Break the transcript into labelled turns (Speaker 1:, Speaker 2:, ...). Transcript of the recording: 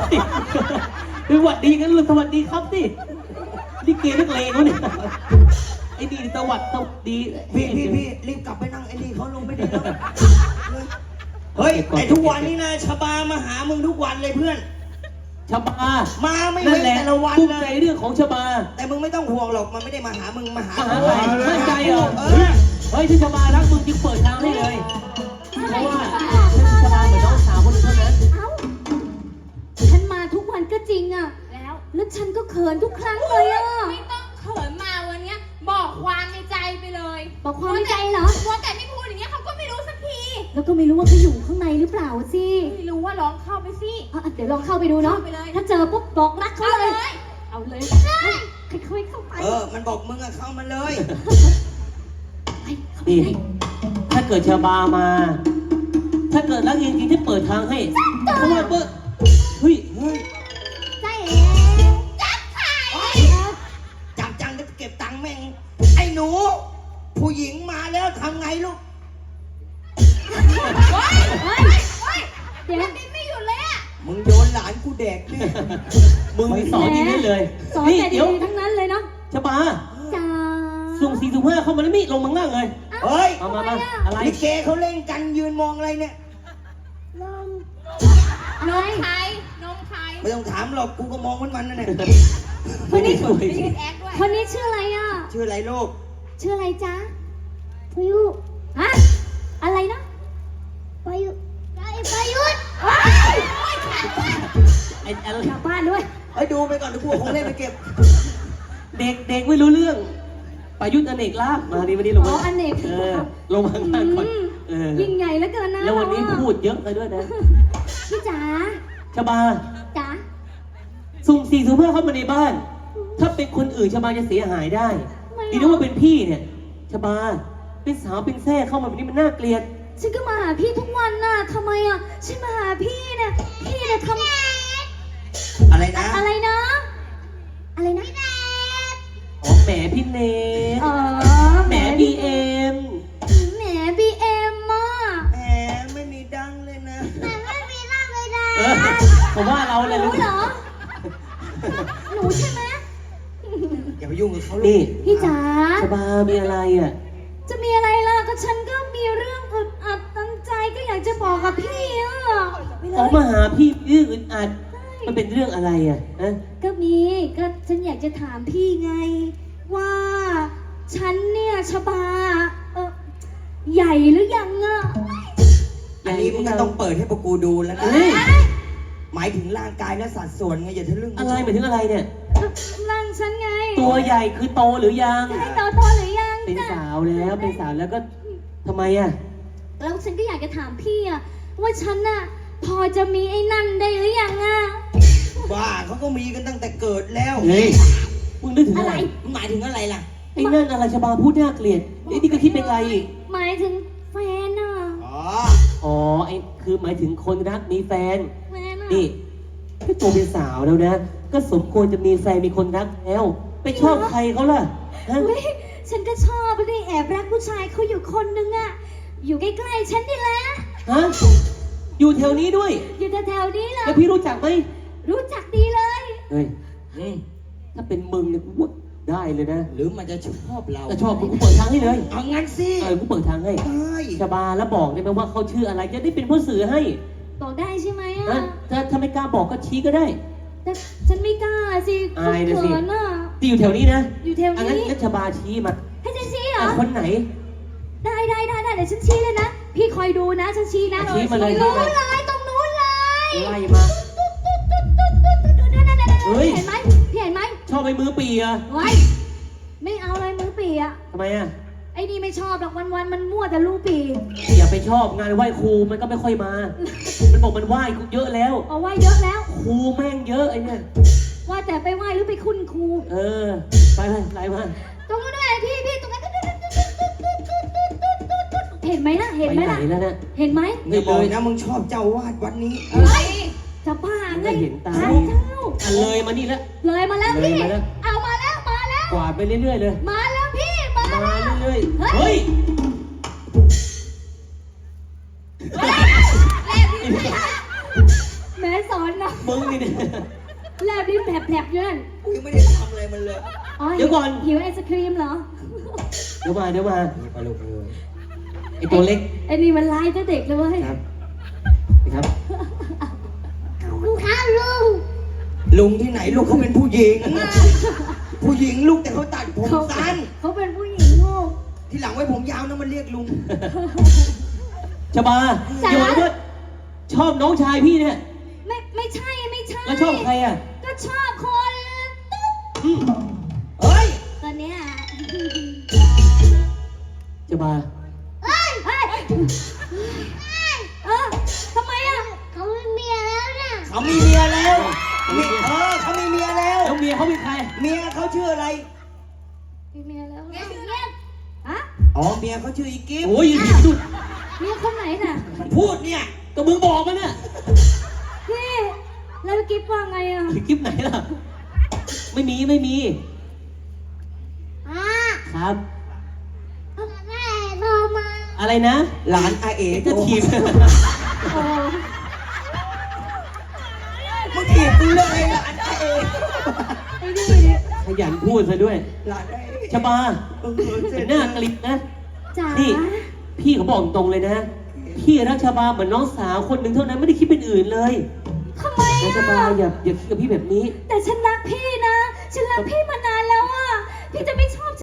Speaker 1: คือหวัดดีกันเลยสวัสดีครับสินี่เกย์นักเลงเขาเนี่ยไอ้นี่สวัสดี
Speaker 2: พี่รีบกลับไปนั่งไอ้นี่เขาลงไม่ได้แล้วเฮ้ยไอ้ทุกวันนี้นะชบามาหามึงทุกวันเลยเพื่อน
Speaker 1: ชบา
Speaker 2: มาไม่เว้นแต่ละวันเลย
Speaker 1: เรื่องของชบา
Speaker 2: แต่มึงไม่ต้องห่วงหรอกมันไม่ได้มาหามึงมาหา
Speaker 1: ใครมั่นใจเหรอเฮ้ยที่ชบารักมึงจึงเปิดทางให้เลยเพราะว่าฉันชบาเหมือนน้องสาวคนนึงเท่านั้น
Speaker 3: ฉันมาทุกวันก็จริงอะแล้วฉันก็เขินทุกครั้งเลยอะ
Speaker 4: ไม่ต้องเขินมาวันนี้บอกความในใจไปเลย
Speaker 3: บอกความในใจเหรอ
Speaker 4: ว่าแต่ไม่พูดอย่างเงี้ยเขาก็ไม่รู้สักที
Speaker 3: แล้วก็ไม่รู้ว่าเขาอยู่ข้างในหรือเปล่าสิ
Speaker 4: ไม่รู้ว่าลองเข้าไปสิ
Speaker 3: เดี๋ยวลองเข้าไปดูเนาะถ้าเจอปุ๊บบอกรักเขาเลยเอาเลยค่อยๆเข้าไป
Speaker 2: มันบอกมึงอะเข้ามาเลย
Speaker 1: นี่ถ้าเกิดชบามาถ้าเกิดรักจริงๆที่เปิดทางให้เพราะว่าเฮ้ย
Speaker 3: ใจเอ๋
Speaker 4: จับไข่
Speaker 2: จับจังจะเก็บตังค์แม่งไอ้หนูผู้หญิงมาแล้วทำไงลูก
Speaker 4: เดี๋ยวดิ้นไม่หยุดเลยอะ
Speaker 2: มึงโยนหลานกูแดกนี่
Speaker 1: มึงสอนอย่างนี้เลย
Speaker 3: สอนแต่ดีทั้งนั้นเลยเนาะ
Speaker 1: ชบา
Speaker 3: จ้า
Speaker 1: สุ่ม4-5เข้ามาแล้วมิลงมังล่างเลย
Speaker 2: เฮ้ย
Speaker 1: มาอะไร
Speaker 2: ลิเกเขาเล่นกันยืนมองอะไรเนี่ย
Speaker 4: นมใคร
Speaker 2: ไม่ต้องถามหรอกกูก็มองมันนั่นแหละ
Speaker 1: คนนี้สวย
Speaker 3: คนนี้ชื่ออะไรอ่ะ
Speaker 2: ชื่ออะไรลูก
Speaker 3: ชื่ออะไรจ๊ะพายุฮะอะไรนะพายุพายุ
Speaker 1: ไอ้อะไร
Speaker 3: กลับบ้านด้วย
Speaker 2: ดูไปก่อนเดี๋ยวกูของเล่นไปเก็บ
Speaker 1: เด็กไม่รู้เรื่องประยุทธ์อเนกลาภมาดีวันนี้ลงมา
Speaker 3: อเนก
Speaker 1: ลงมาข้างก่อน
Speaker 3: ยิ่งใหญ่แล้วเกินนะ
Speaker 1: แล้ววันนี้พูดเยอะเลยด้วยนะ
Speaker 3: พี่จ๋า
Speaker 1: ชบา
Speaker 3: จ๋า
Speaker 1: สุ่ม4-5เข้ามาในบ้านถ้าเป็นคนอื่นชบาจะเสียหายได้ดีนะว่าเป็นพี่เนี่ยชบาเป็นสาวเป็นแท้เข้ามาแบบนี้มันน่าเกลียด
Speaker 3: ฉันก็มาหาพี่ทุกวันน่ะทำไมอ่ะฉันมาหาพี่เนี่ยทำ
Speaker 2: อะไรนะ
Speaker 3: อะไรนะอะไรนะ
Speaker 1: อ๋อแหมพี่เนทแหมบีเอ็ม
Speaker 3: แหมบีเอ็มอ่ะ
Speaker 2: แหมไม่มีดังเลยนะ
Speaker 3: ไม่มีดังเลยนะ
Speaker 1: ผมว่าเราเลย
Speaker 3: รู้เหรอหนูใช่ไหม
Speaker 2: อย่าไปยุ่งกับเขา
Speaker 1: เลย
Speaker 3: พี่จ๋า
Speaker 1: ชบามีอะไรอ่ะ
Speaker 3: จะมีอะไรล่ะก็ฉันก็มีเรื่องอึดอัดตั้งใจก็อยากจะบอกกับพี่อ่ะ
Speaker 1: ออกมาหาพี่เรื่องอึดอัดมันเป็นเรื่องอะไรอ่ะ
Speaker 3: ก็ฉันอยากจะถามพี่ไงว่าฉันเนี่ยชบาใหญ่หรือยังอ่ะ
Speaker 2: อันนี้มึงต้องเปิดให้พวกกูดูแล้วนะหมายถึงร่างกายและสัดส่วนไงอย่าทะลึ่ง
Speaker 1: อะไรหมายถึงอะไรเนี่ย
Speaker 3: ร่างฉันไง
Speaker 1: ตัวใหญ่คือโตหรือยัง
Speaker 3: ใช่โตหรือยัง
Speaker 1: เป็นสาวแล้วก็ทำไมอ่ะ
Speaker 3: แล้วฉันก็อยากจะถามพี่อ่ะว่าฉันน่ะพอจะมีไอ้นั่นได้หรือยังอ่ะ
Speaker 2: บ้าเขาก็มีกันตั้งแต่เกิดแล้ว
Speaker 1: เฮ้ยมึงนึกถึงอะไร
Speaker 2: หมายถึงอะไรล่ะ
Speaker 1: ไอ้นั่นอะไรชบาพูดน่าเกลียดไอ้นี่ก็คิดเป็นไร
Speaker 3: หมายถึงแฟนอ่ะ
Speaker 1: อ๋อไอ้คือหมายถึงคนรักมีแฟนนี่ก็โตเป็นสาวแล้วนะก็สมควรจะมีแฟนมีคนรักแล้วไปชอบใครเขาล่ะ
Speaker 3: ฉันก็ชอบเลยแอบรักผู้ชายเขาอยู่คนนึงอ่ะอยู่ใกล้ๆฉันนี่แหละ
Speaker 1: อยู่แถวนี้ด้วย
Speaker 3: อยู่แถวนี้เลย
Speaker 1: แล้วพี่รู้จักไหม
Speaker 3: รู้จักดีเลย
Speaker 1: เฮ้ยถ้าเป็นมึงเนี่ยกูได้เลยนะ
Speaker 2: หรือมันจะชอบเรา
Speaker 1: จะชอบกูเปิดทางให้เลย
Speaker 2: เอางั้นสิ
Speaker 1: กูเปิดทางให้ชบาแล้วบอกได้ไหมว่าเขาชื่ออะไรจะได้เป็นผู้สื่อให้
Speaker 3: บอกได้ใช่ไหม
Speaker 1: ถ้าไม่กล้าบอกก็ชี้ก็ได้
Speaker 3: แต่ฉันไม่กล้าสิ
Speaker 1: อายเลยสิที่อยู่แถวนี้นะ
Speaker 3: อยู่แถวนี้
Speaker 1: งั้นชบาชี้มา
Speaker 3: ให้ฉันชี้เหรอ
Speaker 1: คนไหน
Speaker 3: ได้เดี๋ยวฉันชี้เลยนะพี่คอยดูนะฉันชี้นะ
Speaker 1: ชี้มาเลย
Speaker 3: ตรงนู้นเลย
Speaker 1: ไล่มา
Speaker 3: เห็นไหมพี่เห็นไหม
Speaker 1: ชอบไปมือปีอะ
Speaker 3: ไม่เอาเลยมือปีอะ
Speaker 1: ทำไมอะ
Speaker 3: ไอ้นี่ไม่ชอบหรอกวันมันมั่วแต่ลูกปี
Speaker 1: อย่าไปชอบงานไหว้ครูมันก็ไม่ค่อยมามันบอกมันไหว้เยอะแล้ว
Speaker 3: ไหว้เยอะแล้ว
Speaker 1: ครูแม่งเยอะไอ้เนี่ย
Speaker 3: ว่าแต่ไปไหว้หรือไปคุณครู
Speaker 1: ไปไล่มา
Speaker 3: ตรงนู้นเลยพี่ตรงนั้นเห็นไหมล่ะเห็นไหมล่ะเห็นไหม
Speaker 2: ไม่บอกนะมึงชอบเจ้าวาดวันนี้
Speaker 3: จะบ้าไง
Speaker 1: เห็นตาเลยมานี่แล้ว
Speaker 3: เลยมาแล้วพี่เอามาแล้ว
Speaker 1: กวาดไปเรื่อยๆเลย
Speaker 3: มาแล้วพี่มา
Speaker 1: เรื่อยๆเฮ้ย
Speaker 3: แม่สอนนะ
Speaker 1: มึงนี่เนี่ย
Speaker 3: แลบลิ้นแผลบๆอยู่นั่น
Speaker 2: กูยังไม่ได้ทำอะไรมันเลย
Speaker 3: อ๋อ
Speaker 1: เดี๋ยวก่อน
Speaker 3: หิวไอศครีมเหรอ
Speaker 1: เดี๋ยวมา
Speaker 2: นี่ไปลูกเลย
Speaker 1: ไอตัวเล็ก
Speaker 3: ไอ้นี่มันร้ายแต่เด็กเลยเว้ย
Speaker 1: ครับครับ
Speaker 3: ลุงคะลุง
Speaker 2: ลุงที่ไหนลูกเขาเป็นผู้หญิง ผู้หญิงลูกแต่เขาตัดผมสั้น
Speaker 3: เขาเป็นผู้หญิงลูก
Speaker 2: ที่หลังไว้ผมยาวนะมันเรียกลุง
Speaker 1: ชบา
Speaker 3: จ๋า
Speaker 1: อย่าบอกว่าชอบน้องชายพี่เนี่ย
Speaker 3: ไม่ใช่ไม่ใช่
Speaker 1: แล้วชอบใครอ่ะ
Speaker 3: ก็ชอบคนตุ๊ด
Speaker 1: อืม
Speaker 2: เฮ้ย
Speaker 3: ตอนเนี้ย
Speaker 1: ชบา
Speaker 3: เฮ้ยเฮ้ยทำไมอ่ะเขามีเมียแล้วน่ะ
Speaker 2: เขามีเมียแล้วเขามีเมียแล้ว
Speaker 1: แล้วเมียเขาเป็นใคร
Speaker 2: เมียเขาชื่ออะไร
Speaker 3: มีเมียแล้ว
Speaker 4: เมียชื่ออะไร
Speaker 3: ฮะ
Speaker 2: อ๋อ เมียเขาชื่ออีกิฟ
Speaker 1: โอ้ยอย่าดู
Speaker 3: เมียคนไหนน่ะ
Speaker 2: มันพูดเนี่ย
Speaker 1: ก็มึงบอกมันน่ะ
Speaker 3: พี่แล้วกิ๊บว่าไงอ่ะ
Speaker 1: คลิปไหนล่ะ ไม่มีไม่มี ครับ
Speaker 3: แม่โทรมา
Speaker 1: อะไรนะ
Speaker 2: หลานอาเอ๋
Speaker 1: จะทีม
Speaker 3: โอ้
Speaker 2: มึงถีบกูเลยหลานอาเอ๋
Speaker 3: ไอ้นี่
Speaker 1: ขยันพูดซะด้วย
Speaker 2: หลานอาเอ๋
Speaker 1: ชบา
Speaker 2: เสร็
Speaker 1: เป็
Speaker 2: จ
Speaker 1: นหน้ากลิบนะ
Speaker 3: จ๋า
Speaker 1: นี่ พี่เขาบอกตรงเลยนะ พี่รักชบาเหมือนน้องสาวคนหนึ่งเท่านั้นไม่ได้คิดเป็นอื่นเลย
Speaker 3: ทำไม
Speaker 1: แล้วชบา
Speaker 3: อ่ะ
Speaker 1: อย่าคิดกับพี่แบบนี้
Speaker 3: แต่ฉันรักพี่นะ ฉันรักพี่มานานแล้วอ่ะ พี่จะไม่ช